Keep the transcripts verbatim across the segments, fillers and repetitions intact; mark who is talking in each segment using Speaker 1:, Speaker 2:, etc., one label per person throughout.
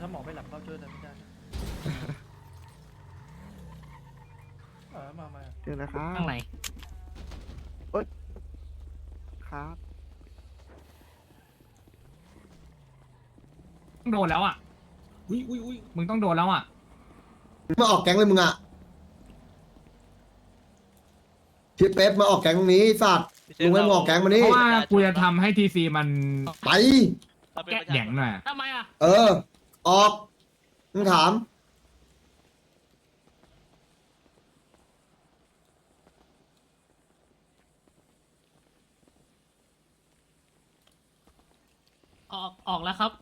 Speaker 1: ถ้าหมอไม่หลับก็ช่วยอะไรไม่ได้นะเออมามา
Speaker 2: เดี๋ยวนะครับ
Speaker 3: ข้างใน
Speaker 2: ครับ
Speaker 3: ต้องโดนแล้วอ่ะ
Speaker 4: อุ้ยอุ้ยอุ้ย
Speaker 3: มึงต้องโดนแล้วอ่ะ
Speaker 5: มาออกแก๊งเลยมึงอ่ะชิปเป๊ปมาออกแก๊งตรงนี้สัตว์ลุงไม่มาออกแก๊งมา
Speaker 3: เพ
Speaker 5: นี่
Speaker 3: ราะว่ากูจะทำให้ทีซีมัน
Speaker 5: ไป
Speaker 3: แกะแหย่งหน่อยอะ
Speaker 6: ทำไมอ่ะ
Speaker 5: เออ ออกมึงถาม
Speaker 6: ออกออกแล้วครับ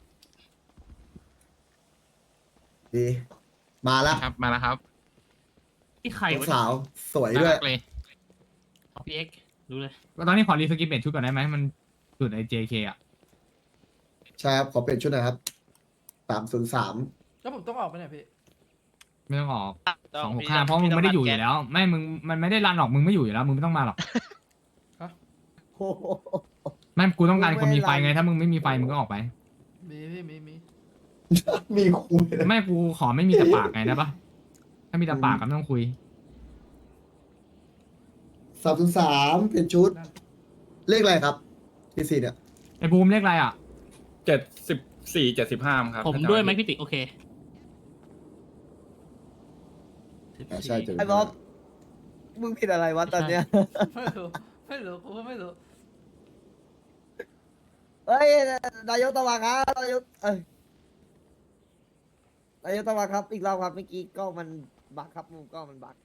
Speaker 5: ดี มาแล้ว
Speaker 7: ครับมาแล้วครับ
Speaker 6: ที่ไข่
Speaker 5: ลู
Speaker 6: วะ
Speaker 5: กสาวสวย
Speaker 7: น่า
Speaker 5: ด้วย
Speaker 7: รักเลย
Speaker 6: พี่เอ็กรู้เลย
Speaker 3: ตอนนี้ขอรีสกิปเปลี่ยนชุดก่อนได้ไหมมันสุดไอเจเคอ่ะ
Speaker 5: ใช่ครับ ขอเปลี่ยนชุดหน่อยครับสามศูนย์สาม
Speaker 1: แล้วผมต้องออกไปไหนพี่
Speaker 3: ไม่ต้องออกสองหกห้าเพราะมึงไม่ได้อยู่อยู่แล้ว ไม่มึงมันไม่ได้รันหรอกมึงไม่อยู่อยู่แล้วมึงไม่ต้องมาหรอกไม่กูต้องการคนมีไฟไงถ้ามึงไม่มีไฟมึงก็ออกไป
Speaker 1: มีพี่มีมี
Speaker 5: มีคุย
Speaker 3: ไม่กูขอไม่มีแต่ปากไงได้ปะถ้ามีแต่ปากก็ไม่ต้องคุย
Speaker 5: สามศูนย์สามเปลี่ยนชุด เลขอะไรครับที่สี่เนี่ย
Speaker 3: ไอ้บูมเลขอะไรอ่ะ
Speaker 4: เจ็ดสิบสี่เจ็ดสิบห้าครับ
Speaker 6: ผมด้วยไหมพี่ติ๊กโอเค
Speaker 5: อ่าใช่เจอ
Speaker 2: ไอ้บ๊อบมึงผิดอะไรวะตอนเนี้ย
Speaker 1: ไม่รู้ไม่รู้กูก็ไม่รู้
Speaker 2: เฮ้ยนายกตะวันครับนายกเอ้ยนายกตะวันครับ อีกรอบครับเมื่อกี้กล้องมันบักครับมุมกล้องมันบัก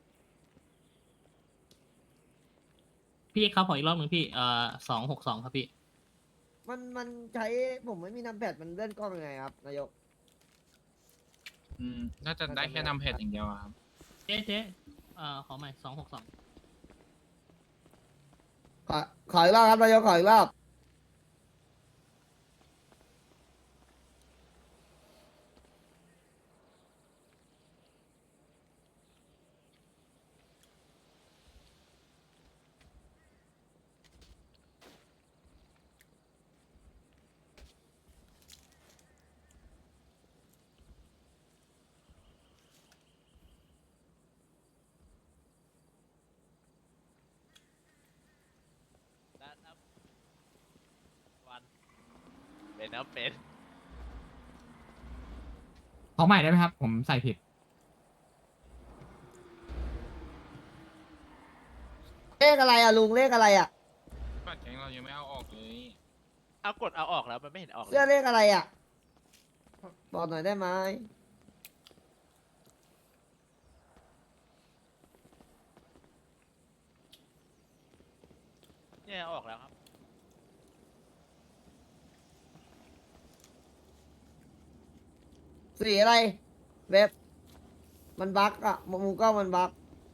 Speaker 6: พี่เอ็กครับขออีกรอบหนึ่งพี่เอ่อสองหกสองครับพี่
Speaker 2: มันมันใช้ผมไม่มีนำแพดมันเลื่อนกล้องยังไงครับนายก
Speaker 7: อืมน่าจะได้แค่นำเพจอย่างเดียวอะครับ
Speaker 6: เจ๊เจ๊เอ่อขอใหม่สองหกสอง
Speaker 2: ขอขออีกรอบครับนายกขออีกรอบ
Speaker 8: วันเป็นนะเป็น
Speaker 3: ขอใหม่ได้ไหมครับ ผมใส่ผิด
Speaker 2: เลขอะไรอ่ะลุงเลขอะไรอ่ะ
Speaker 7: บัตรแก๊งเรายังไม่เอาออกเลย
Speaker 8: เอากดเอาออกแล้วมันไม่เห็นออกเล
Speaker 2: เสื้อย เลขอะไรอ่ะบอกหน่อยได้ไหม
Speaker 8: เนี่ยเอาออกแล้วครับ
Speaker 2: สีอะไรเว็บมันบักอ่ะมุมกล้องมันบัก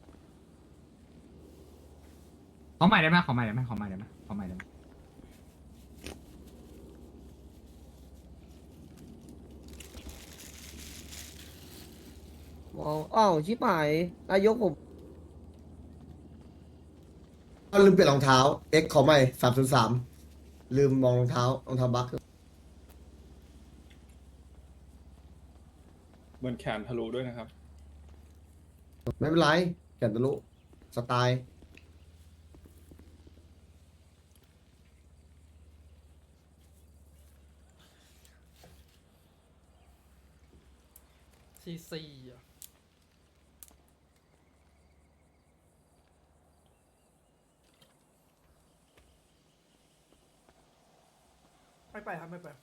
Speaker 3: ขอใหม่ได้ไหมขอใหม่ได้ไหมขอใหม่ได้ไหมขอใหม่ได้ไหม
Speaker 2: มองอ้าวชิบหายนายกผม
Speaker 5: ลืมเปลี่ยนรองเท้า X ขอใหม่สามศูนย์สามลืมมองรองเท้ารองเท้าบัค
Speaker 4: เหมือนแขนทะลุด้วยนะครับ
Speaker 5: ไม่เป็นไรแก่นตะลุสไตล์
Speaker 1: ซีซีอ่ะไม่ไปครับไม่ไป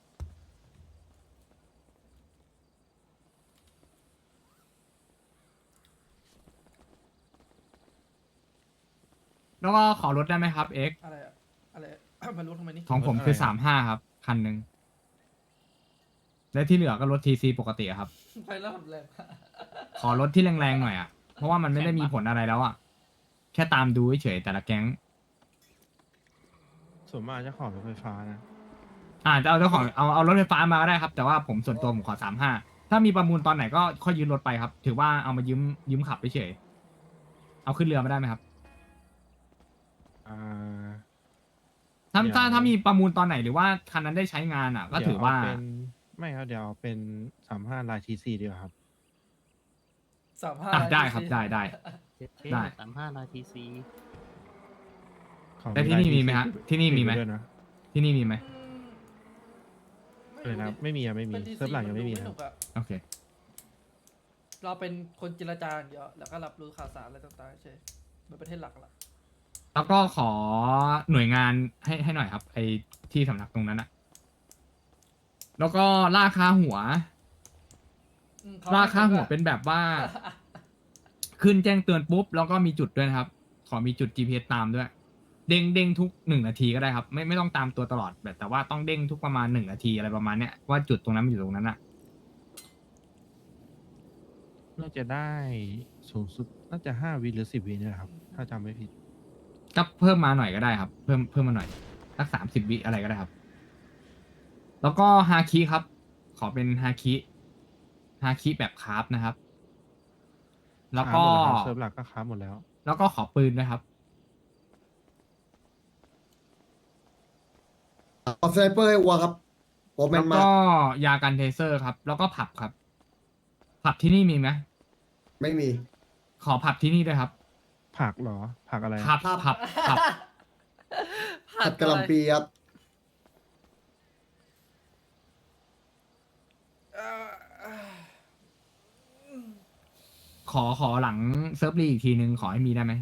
Speaker 3: แล้วก็ขอลดได้ไหมครับเอ็ก
Speaker 1: อะไรอะอะไรอะ มันรู้ทำไมนี่
Speaker 3: ของผมคือสามห้าครับ คันหนึ่งและที่เหลือก็ลดทีซีปกติอะครับ
Speaker 1: ไปแล้วผมเลย
Speaker 3: ขอลดที่แรงๆหน่อยอ่ะ เพราะว่ามันไม่ได้มีผลอะไรแล้วอ่ะ แค่ตามดูเฉยๆแต่ละแก๊ง
Speaker 9: ส่วนมากจะขอรถไฟฟ้านะ
Speaker 3: อ่าจะเอาเจ้าของเอาเอารถไฟฟ้ามาก็ได้ครับ แต่ว่าผมส่วนตัวผมขอสามห้าถ้ามีประมูลตอนไหนก็ค่อยยืมรถไปครับ ถือว่าเอามายืมยืมขับเฉยๆเอาขึ้นเรือไม่ได้ไหมครับ
Speaker 9: อ่า
Speaker 3: ถ้า
Speaker 9: เดี๋ยว
Speaker 3: ถ้าถ้ามีประมูลตอนไหนหรือว่าคันนั้นได้ใช้งานอ่ะ ก็ถือว่า
Speaker 9: เดี๋ยเเป็นไม่ครับเดี๋ยวเอาเป็นสามห้าลายทีซีดีกว่าครับ
Speaker 1: สามห้า
Speaker 3: อ่ะได้ครับได้ได้ ได้
Speaker 6: สามห้านาทีซี
Speaker 9: ขอ
Speaker 3: แต่ที่นี่มีไหมฮะที่นี่มีไหม
Speaker 9: ติดด้วยนะ
Speaker 3: ที่นี่มีไหม
Speaker 9: เลยนะครับไม่มีอะไม่มี
Speaker 1: เป็น D C
Speaker 9: เซิร์ฟหลังยังไม่มี
Speaker 1: น
Speaker 9: นะ
Speaker 1: ดู
Speaker 9: ครับ
Speaker 1: สนุกอะ
Speaker 3: โอเค
Speaker 1: เราเป็นคนเจรจาอย่างเดียวแล้วก็รับรู้ข่าวสารอะไรต่างๆใช่เหมือนประเทศหลักละ
Speaker 3: แล้วก็ขอหน่วยงานให้ให้หน่อยครับ ไอที่สำนักตรงนั้นอะแล้วก็ล่าค่าหัว
Speaker 1: อืมเข
Speaker 3: ล่าค่าหัว
Speaker 1: ให้
Speaker 3: เป็นแบบว่า ขึ้นแจ้งเตือนปุ๊บ แล้วก็มีจุดด้วยนะครับ ขอมีจุด จี พี เอส ตามด้วย เด้งเด้งทุกหนึ่งนาทีก็ได้ครับ ไม่ไม่ต้องตามตัวตลอดแบบแต่ว่าต้องเด้งทุกประมาณหนึ่งนาทีอะไรประมาณเนี้ยว่าจุดตรงนั้นมันอยู่ตรงนั้นอะ
Speaker 9: น่าจะได้สูงสุดน่าจะห้าวิหรือสิบวิเนี่ยครับ ถ้าจำไม่ผิด
Speaker 3: ก็เพิ่มมาหน่อยก็ได้ครับ เพิ่มเพิ่มมาหน่อยสักสามสิบวิอะไรก็ได้ครับ แล้วก็ฮาคิครับ ขอเป็นฮาคิฮาคิแบบคราฟนะครับ แล้วก็
Speaker 9: ค้าหมดแล้วครับเซิร์ฟหลักก็ค้าหมดแล้ว
Speaker 3: แล้วก็ขอปืนด้วยครับ
Speaker 5: เอาสไนเปอร์ให้วัวครับโอแม
Speaker 3: แล้
Speaker 5: น
Speaker 3: ว
Speaker 5: มา
Speaker 3: ก็ยากันเทเซอร์ครับ แล้วก็ผับครับ ผับที่นี่มีไหม
Speaker 5: ไม่มี
Speaker 3: ขอผับที่นี่ด้วยครับ
Speaker 9: ผักเหรอ ผักอะไร
Speaker 3: ผับผับผับ
Speaker 5: ผัดกะหล่ำปีครับ
Speaker 1: เอ่อเอ่อ
Speaker 3: ขอขอหลังเซิร์ฟลีอีกทีนึงขอให้มีได้ไหม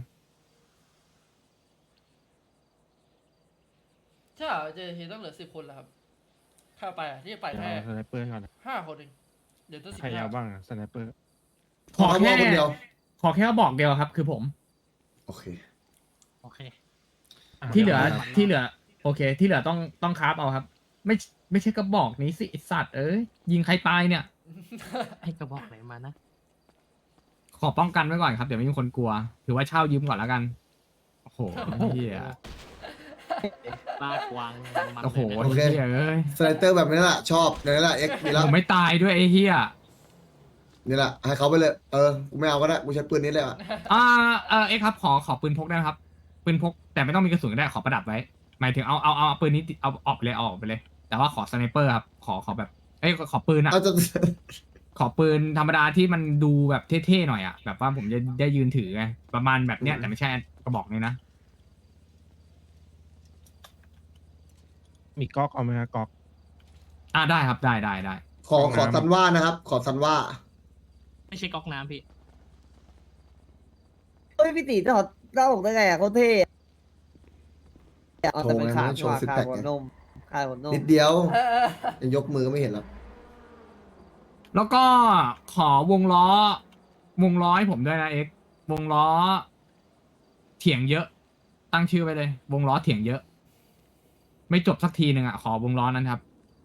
Speaker 1: ใช่เหรอเจเฮต้องเหลือสิบคนแล้วครับข้าไปอ่ะที่ไป
Speaker 9: เดี๋ยว
Speaker 1: แค่
Speaker 9: เอาสไนเปอร์ก่อนนะ
Speaker 1: ห้าคนเองเดี๋ยวต้องสิบ
Speaker 9: ใคร
Speaker 1: ห้า
Speaker 9: เอาบ้างอะสไนเปอร์
Speaker 3: ขอ
Speaker 5: เอา
Speaker 3: แค่
Speaker 5: วัวคนเดียว
Speaker 3: ขอแค่บอกเดียวครับ คือผม
Speaker 5: โอเค
Speaker 6: โอเค
Speaker 9: ะ
Speaker 3: ที่เหลือ
Speaker 9: ครับ
Speaker 3: ที่เหลือ โอเค ที่เหลือต้องต้องคราฟเอาครับ ไม่ไม่ใช่กระบอกนี้สิไอ้สัตว์เอ้ยยิงใครตายเนี่ย
Speaker 6: ให้กระบอกไหนมานะ
Speaker 3: ขอป้องกันไว้ก่อนครับเดี๋ยวไม่มีคนกลัว ถือว่าเช่ายืมก่อนแล้วกัน โอ้โหเฮีย
Speaker 6: ลากวางมัน
Speaker 3: โอ้โห
Speaker 6: เลยนะ
Speaker 5: โอเค
Speaker 3: เฮียเอ้ย
Speaker 5: สไนเปอร์แบบนี้แหละชอบนี่แหละเอ็กนี่
Speaker 3: ผ
Speaker 5: ละ
Speaker 3: มไม่ตายด้วยไอ้เฮีย
Speaker 5: นี่แหละให้เขาไปเลย เออกูไม่เอาก็ได้กูใช้ปืนนี้เลยอ่ะ
Speaker 3: อ่าเออเอ้ครับ ขอขอปืนพกได้ไหมครับ ปืนพกแต่ไม่ต้องมีกระสุนก็ได้ขอประดับไว้ หมายถึงเอาเอาเอาเอาปืนนี้ติดเอาออกไปเลยเอาออกไปเลย แต่ว่าขอสไนเปอร์ครับ ขอขอแบบ เอ้ยขอปืนอะ
Speaker 5: เอาจะ
Speaker 3: ขอปืนธรรมดาที่มันดูแบบเท่ๆหน่อยอะแบบว่าผมจะได้ยืนถือไงประมาณแบบเนี้ยแต่ไม่ใช่กระบอกนี้นะ
Speaker 9: มีก๊อกเอาไหมครับก๊อก
Speaker 3: อ่าได้ครับได้ได้ได้
Speaker 5: ขอขอซันว่านะครับ ขอซันว่า
Speaker 6: ไม่ใช่ก๊อกน้ำพี่
Speaker 2: เฮ้ยพี่ตีถอดเล่าออกได้ไงอ่ะเขาเท่อะเอาแต่เป็นขาด
Speaker 5: โชว์
Speaker 2: ว่า
Speaker 5: ซิก
Speaker 2: ขา
Speaker 5: แพ
Speaker 2: ด
Speaker 5: ค
Speaker 2: หัว
Speaker 5: ไง
Speaker 2: นมขาดหัวนม
Speaker 5: นิดเดียว
Speaker 1: เออเออ
Speaker 5: ยังยกมือไม่เห็นหรอก
Speaker 3: แล้วก็ขอวงล้อ วงล้อให้ผมด้วยนะเอ็กซ์วงล้อ เถียงเยอะ ตั้งชื่อไว้เลย วงล้อเถียงเยอะ ไม่จบสักทีหนึ่งอ่ะ ขอวงล้อนั้นครับ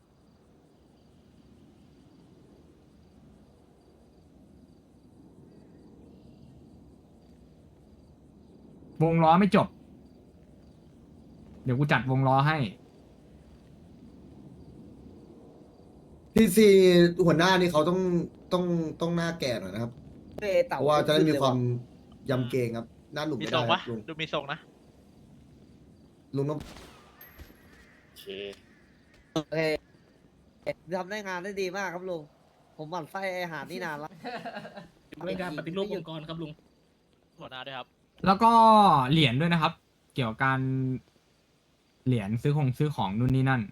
Speaker 3: วงล้อไม่จบ เดี๋ยวกูจัดวงล้อให้
Speaker 5: ทีซีหัวหน้านี่เขาต้องต้องต้องหน้าแก่หน่อยนะครับ
Speaker 2: เท่เต่า
Speaker 5: เพราะว่าจะได้มีความยำเกรงครับ หน้าหนุ่ม
Speaker 8: มี
Speaker 5: ไม่
Speaker 8: ทร
Speaker 5: ได้
Speaker 8: ง
Speaker 5: ค
Speaker 8: ปะ
Speaker 5: รับลุง
Speaker 8: ดูมีทรงนะ
Speaker 5: ลุงต้อง
Speaker 4: โอเค
Speaker 2: โอเคทำได้งานได้ดีมากครับลุงผมหมั่นไส้ไอ้อาหารนี่นานแล้ว
Speaker 6: เรื่องการปฏิรูปองค์กรครับลุง
Speaker 8: หัวหน้าด้วยครับ
Speaker 3: แล้วก็เหรียญด้วยนะครับ เกี่ยวกับการเหรียญซื้อของซื้อของนู่นนี่นั่น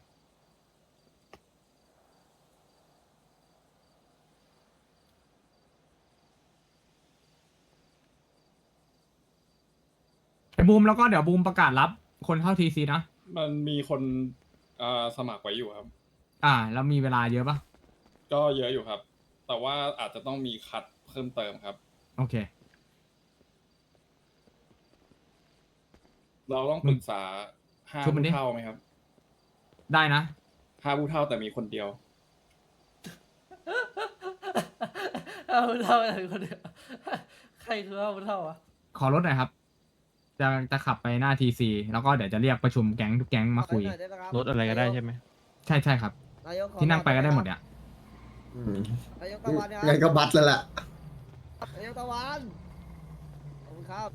Speaker 3: ไอ้บูมแล้วก็เดี๋ยวบูมประกาศรับคนเข้าทีซีนะ
Speaker 4: มันมีคนอ่าสมัครไว้อยู่ครับ
Speaker 3: อ่า แล้วมีเวลาเยอะปะ
Speaker 4: ก็เยอะอยู่ครับ แต่ว่าอาจจะต้องมีคัดเพิ่มเติมครับ
Speaker 3: โอเค
Speaker 4: เราต้องปรึกษาห้า
Speaker 3: ช่วยมัน
Speaker 4: ผู้
Speaker 3: ดิ
Speaker 4: เท่าไหมครับ
Speaker 3: ได้นะ
Speaker 4: ห้าผู้เท่าแต่มีคนเดียว
Speaker 1: เอาเท่าอะไรคนเดียวใครคือเอาเท่าอ่ะ
Speaker 3: ขอรถหน่อยครับ จะจะขับไปหน้าทีซีแล้วก็เดี๋ยวจะเรียกประชุมแก๊งทุกแก๊งมาคุย
Speaker 2: ขอหน่อได้ไหมคบ
Speaker 9: รถอะไรก็ได้ใช่ไหม
Speaker 3: ใช่ใช่ครับ
Speaker 2: นายกขอ
Speaker 3: ที่นั่งไปก็ได้หมด
Speaker 2: หน่อ
Speaker 3: เนี่ย
Speaker 5: อืม
Speaker 2: นายกตะวันนะค
Speaker 5: งั้น
Speaker 2: รับ
Speaker 5: ก็บัตรแล้วแหละ
Speaker 2: นายกตะวันขอบคุณครับ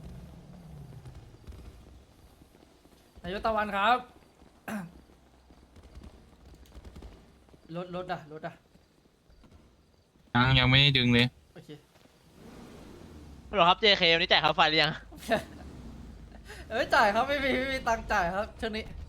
Speaker 1: นายกตะวันครับรถรถอะรถอะ
Speaker 7: ยังยังไม่ได้ดึงเลย
Speaker 1: โอเค
Speaker 8: ฮัลโหลครับ เจ เค วันนี้จ่ายค่าไฟหรือยัง
Speaker 1: เอ้ยจ่ายครับไม่มีไม่มีตังค์จ่ายครับช่วงนี้